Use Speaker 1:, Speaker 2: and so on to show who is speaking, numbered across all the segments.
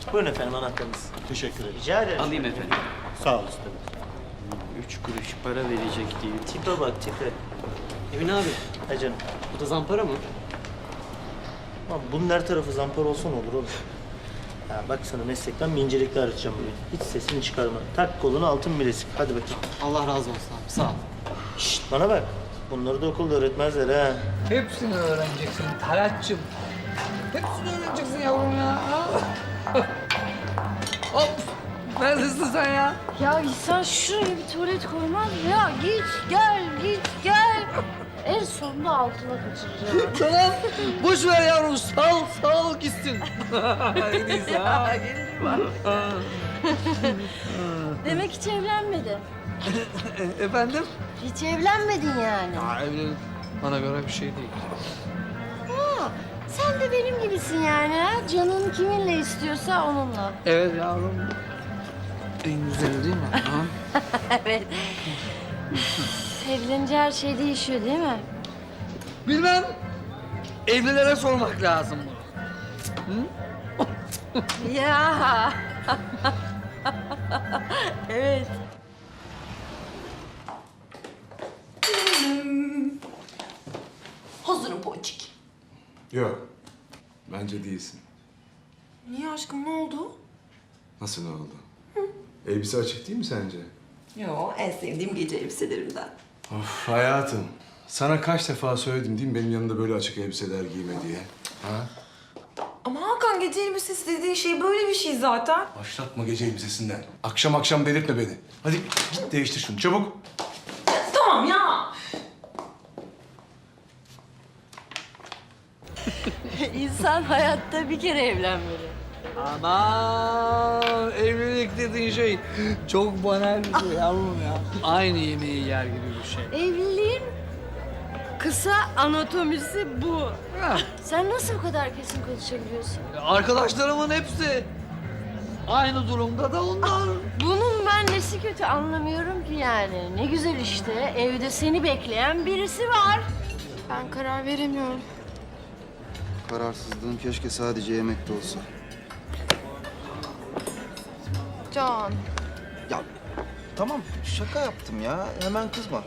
Speaker 1: Buyurun efendim anahtarınız.
Speaker 2: Teşekkür ederim.
Speaker 1: Rica ederim.
Speaker 3: Alayım efendim.
Speaker 1: Sağ ol usta.
Speaker 3: 3 kuruş para verecek diye.
Speaker 1: Tipe bak tipe.
Speaker 3: Emin abi,
Speaker 1: Ha canım.
Speaker 3: bu da zampara mı?
Speaker 1: Ama bunun her tarafı zampar olsa ne olur oğlum? Ya bak sana meslekten bir incelikle öğreteceğim bugün. Hiç sesini çıkarma. Tak koluna altın bilezik. Hadi bakayım.
Speaker 3: Allah razı olsun abi, sağ ol.
Speaker 1: Şşt bana bak. Bunları da okulda öğretmezler ha.
Speaker 4: Hepsini öğreneceksin Talatçım. Hepsini öğreneceksin yavrum ya. Hop! Neredesin sen ya?
Speaker 5: Ya insan şuraya bir tuvalet koymaz mı ya? Git gel, git gel. En sonunda altına kaçıracağım.
Speaker 4: Tamam. Boş ver yavrum. Sal gitsin. En iyisi ha.
Speaker 5: Demek hiç evlenmedin.
Speaker 4: Efendim?
Speaker 5: Hiç evlenmedin yani.
Speaker 4: Ya evlilik bana göre bir şey değil.
Speaker 5: Ha, sen de benim gibisin yani ha? Canın kiminle istiyorsa onunla.
Speaker 4: Evet yavrum. En güzeli değil mi? Ha?
Speaker 5: Evet. Evlenince her şey değişiyor değil mi?
Speaker 4: Bilmem. Evlilere sormak lazım bunu.
Speaker 5: Ya. Evet.
Speaker 6: Hazırım Ponçik.
Speaker 7: Yok. Bence değilsin.
Speaker 6: Niye aşkım, ne oldu?
Speaker 7: Nasıl ne oldu? Elbise açık değil mi sence?
Speaker 6: Yo, en sevdiğim gece elbiselerimden.
Speaker 7: Of hayatım. Sana kaç defa söyledim değil mi benim yanımda böyle açık elbiseler giyme diye? Ha?
Speaker 6: Ama Hakan, gece elbisesi dediğin şey böyle bir şey zaten.
Speaker 7: Başlatma gece elbisesinden. Akşam akşam delirtme beni. Hadi git değiştir şunu çabuk.
Speaker 6: Tamam ya.
Speaker 5: İnsan hayatta bir kere evlenmeli.
Speaker 4: Aman evlilik dediğin şey çok banal bir şey yavrum ya. Aynı yemeği yer gibi bir şey.
Speaker 5: Evliliğin kısa anatomisi bu.
Speaker 4: Ha,
Speaker 5: Sen nasıl bu kadar kesin konuşabiliyorsun?
Speaker 4: arkadaşlarımın hepsi aynı durumda da onlar.
Speaker 5: Bunun ben nesi kötü anlamıyorum ki yani. Ne güzel işte evde seni bekleyen birisi var. Ben karar veremiyorum.
Speaker 8: Kararsızlığım keşke sadece yemekte olsa.
Speaker 5: Can.
Speaker 8: Ya tamam şaka yaptım ya. Hemen kızma.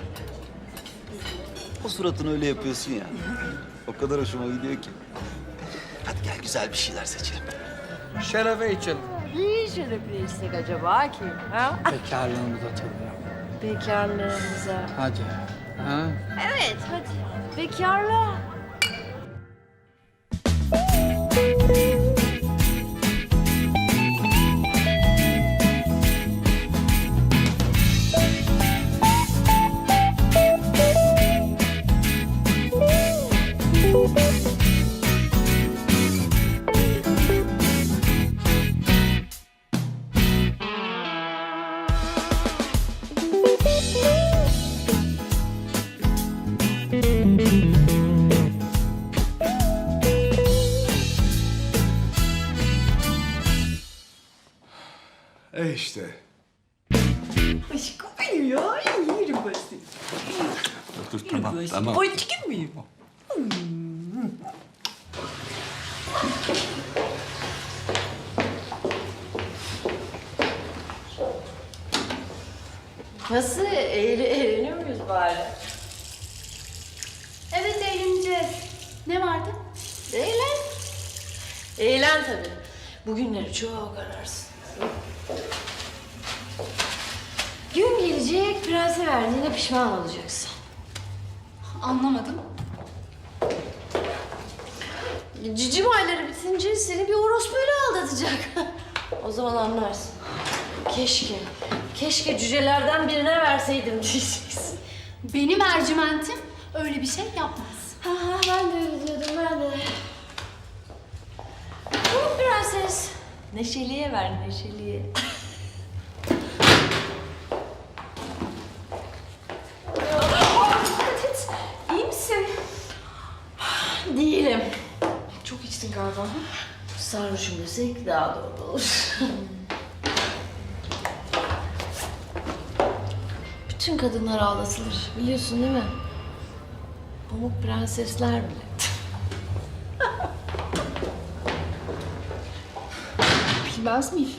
Speaker 8: O suratını öyle yapıyorsun ya. O kadar hoşuma gidiyor ki. Hadi gel güzel bir şeyler seçelim.
Speaker 4: Şerefe içelim.
Speaker 5: İyi şerefli istek acaba kim? Ha?
Speaker 4: Bekarlığımıza tabii.
Speaker 5: Bekarlığımıza.
Speaker 4: Hadi. Ha?
Speaker 5: Evet hadi. Bekarlığa.
Speaker 7: İşte.
Speaker 6: Aşkım benim ya. Yerim ben seni.
Speaker 7: Dur tamam.
Speaker 6: Ponçikim miyim?
Speaker 5: Nasıl? Eğleniyor muyuz bari?
Speaker 9: Evet eğleneceğiz. Ne vardı?
Speaker 5: Eğlen. Eğlen tabii. Bugünleri çok ararsın. Gün gelecek, prense verdiğine pişman olacaksın.
Speaker 9: Anlamadım.
Speaker 5: Cicim ayları bitince seni bir orospuyla aldatacak. O zaman anlarsın. Keşke cücelerden birine verseydim diyeceksin.
Speaker 9: Benim Ercüment'im öyle bir şey yapmaz.
Speaker 5: Ha, ben de öyle diyordum, ben de. Tamam prenses. Neşeliye ver, neşeliye. Dikkat et. İyi misin? Değilim.
Speaker 6: Çok içtin galiba.
Speaker 5: Sarhoşum desek daha doğru olur. Bütün kadınlar ağlatılır. Biliyorsun değil mi? Pamuk prensesler bile.
Speaker 9: Gitmez miyim?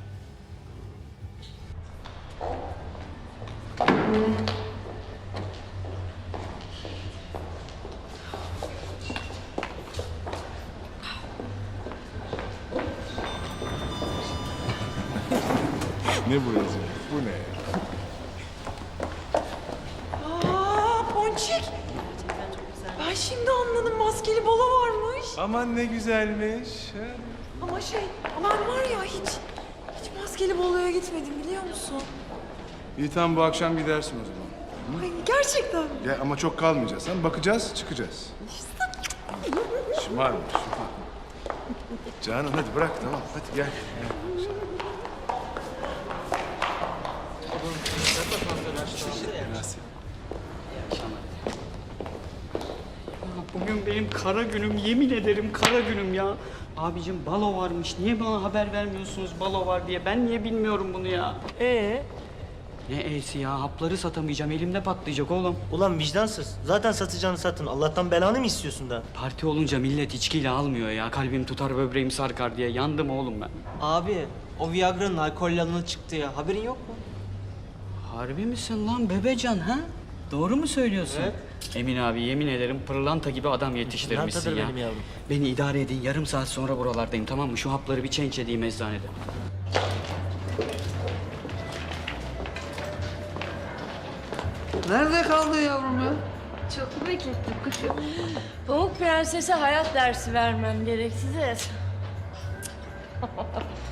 Speaker 7: Ne bu yazıyor? Bu ne?
Speaker 6: Aa Ponçik. Ben şimdi anladım, maskeli balo varmış.
Speaker 7: Aman ne güzelmiş.
Speaker 6: Ama ben var ya hiç maskeli baloya gitmedim biliyor musun?
Speaker 7: İyi tamam bu akşam gidersin o zaman.
Speaker 6: Ay gerçekten.
Speaker 7: Ya ama çok kalmayacağız. Hem bakacağız, çıkacağız. Şımarma, şımarma. Canan hadi bırak tamam. Hadi gel.
Speaker 3: Bugün benim kara günüm, yemin ederim kara günüm ya. Abicim balo varmış. Niye bana haber vermiyorsunuz balo var diye? Ben niye bilmiyorum bunu ya? Ne e'si ya? Hapları satamayacağım. Elimde patlayacak oğlum.
Speaker 1: Ulan vicdansız. Zaten satacağını satın. Allah'tan belanı mı istiyorsun da?
Speaker 3: Parti olunca millet içkiyle almıyor ya. Kalbim tutar, böbreğim sarkar diye. Yandım oğlum ben.
Speaker 2: Abi o Viagra'nın alkollü alanı çıktı ya. Haberin yok mu?
Speaker 3: Harbi misin lan bebecan ha? Doğru mu söylüyorsun?
Speaker 2: Evet.
Speaker 3: Emin abi yemin ederim pırlanta gibi adam yetiştirmişsin
Speaker 1: Pırlantadır
Speaker 3: ya.
Speaker 1: benim yavrum.
Speaker 3: Beni idare edin. Yarım saat sonra buralardayım tamam mı? Şu hapları bir change edeyim eczanede.
Speaker 4: Nerede kaldı yavrum ya?
Speaker 5: Çok beklettim kuşum. Pamuk Prenses'e hayat dersi vermem gerekti de.